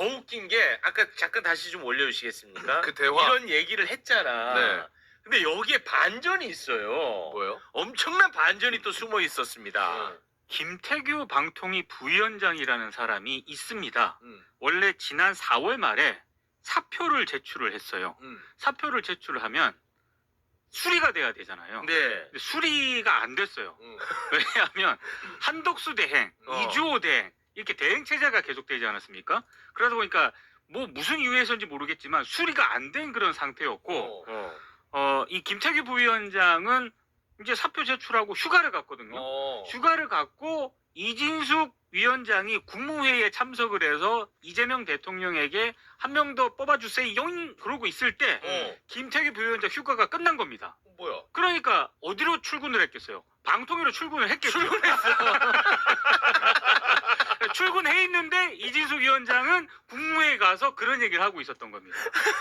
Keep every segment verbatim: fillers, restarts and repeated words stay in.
더 웃긴 게 아까 잠깐 다시 좀 올려주시겠습니까? 그 대화. 이런 얘기를 했잖아. 네. 근데 여기에 반전이 있어요. 뭐요? 엄청난 반전이 또 숨어 있었습니다. 음. 김태규 방통위 부위원장이라는 사람이 있습니다. 음. 원래 지난 사월 말에 사표를 제출을 했어요. 음. 사표를 제출을 하면 수리가 돼야 되잖아요. 네. 근데 수리가 안 됐어요. 음. 왜냐하면 한독수 대행, 어. 이주호 대행 이렇게 대행 체제가 계속되지 않았습니까? 그러다 보니까 뭐 무슨 이유에서인지 모르겠지만 수리가 안 된 그런 상태였고 어. 어. 어, 이 김태규 부위원장은 이제 사표 제출하고 휴가를 갔거든요. 어. 휴가를 갔고 이진숙 위원장이 국무회의에 참석을 해서 이재명 대통령에게 한 명 더 뽑아주세요 영 그러고 있을 때 어. 김태규 부위원장 휴가가 끝난 겁니다. 뭐야? 그러니까 어디로 출근을 했겠어요? 방통위로 출근을 했겠죠. 출근해 있는데 이진숙 위원장은 국무회에 가서 그런 얘기를 하고 있었던 겁니다.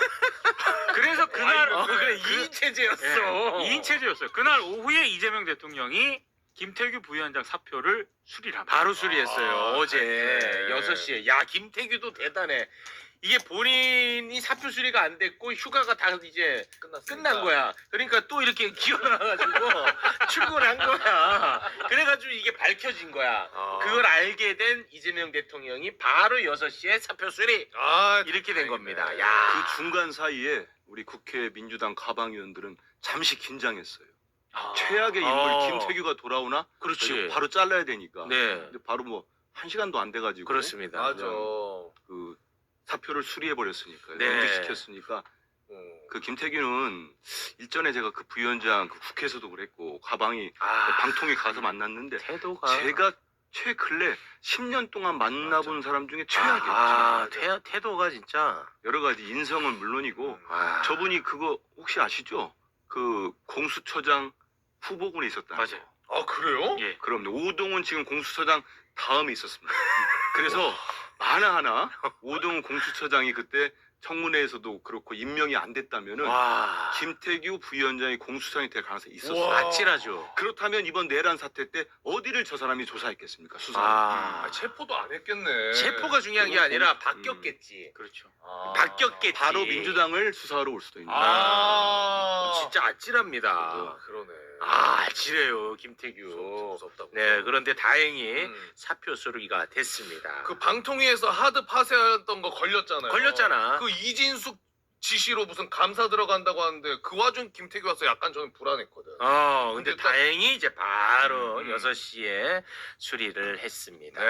그래서 그날 어, 그래 그- 이인 체제였어. 예, 이인 체제였어요. 그날 오후에 이재명 대통령이 김태규 부위원장 사표를 수리를 합니다. 바로 수리했어요. 아, 어제 네. 여섯 시에. 야, 김태규도 대단해. 이게 본인이 사표 수리가 안 됐고 휴가가 다 이제 끝났으니까. 끝난 거야. 그러니까 또 이렇게 기어나가지고 출근한 거야. 그래가지고 이게 밝혀진 거야. 아. 그걸 알게 된 이재명 대통령이 바로 여섯 시에 사표 수리. 아, 이렇게 된 다행이네. 겁니다. 야. 그 중간 사이에 우리 국회 민주당 가방위원들은 잠시 긴장했어요. 아. 최악의 인물 어. 김태규가 돌아오나? 그렇지. 바로 잘라야 되니까. 네. 근데 바로 뭐 한 시간도 안 돼가지고 그렇습니다. 맞아. 그 사표를 수리해 버렸으니까 네. 연기시켰으니까 음. 그 김태규는 일전에 제가 그 부위원장 그 국회에서도 그랬고 가방이 아, 방통위 가서 만났는데 태도가 제가 최근래 십 년 동안 만나본 사람 중에 최악이었죠. 아, 태, 태도가 진짜. 여러 가지 인성은 물론이고 아. 저분이 그거 혹시 아시죠? 그 공수처장 후보군에 있었다. 맞아요. 아, 그래요? 예. 그럼 오동훈 지금 공수처장 다음에 있었습니다. 그래서 하나하나 오동훈 공수처장이 그때 청문회에서도 그렇고 임명이 안 됐다면은 와. 김태규 부위원장이 공수처장이 될 가능성이 있었어요. 우와. 아찔하죠. 그렇다면 이번 내란 사태 때 어디를 저 사람이 조사했겠습니까? 수사. 아. 아, 체포도 안 했겠네. 체포가 중요한 게 아니라 바뀌었겠지. 그렇죠. 아. 바뀌었겠지. 바로 민주당을 수사하러 올 수도 있는. 아. 진짜 아찔합니다. 아, 그러네. 아, 아찔해요, 김태규. 무섭다. 네, 그런데 다행히 음. 사표 수리가 됐습니다. 그 방통위에서 하드 파쇄했던 거 걸렸잖아요. 걸렸잖아. 그 이진숙 지시로 무슨 감사 들어간다고 하는데 그 와중 김태규 와서 약간 저는 불안했거든. 어, 근데 근데 딱- 다행히 이제 바로 음, 음. 여섯 시에 수리를 했습니다. 네.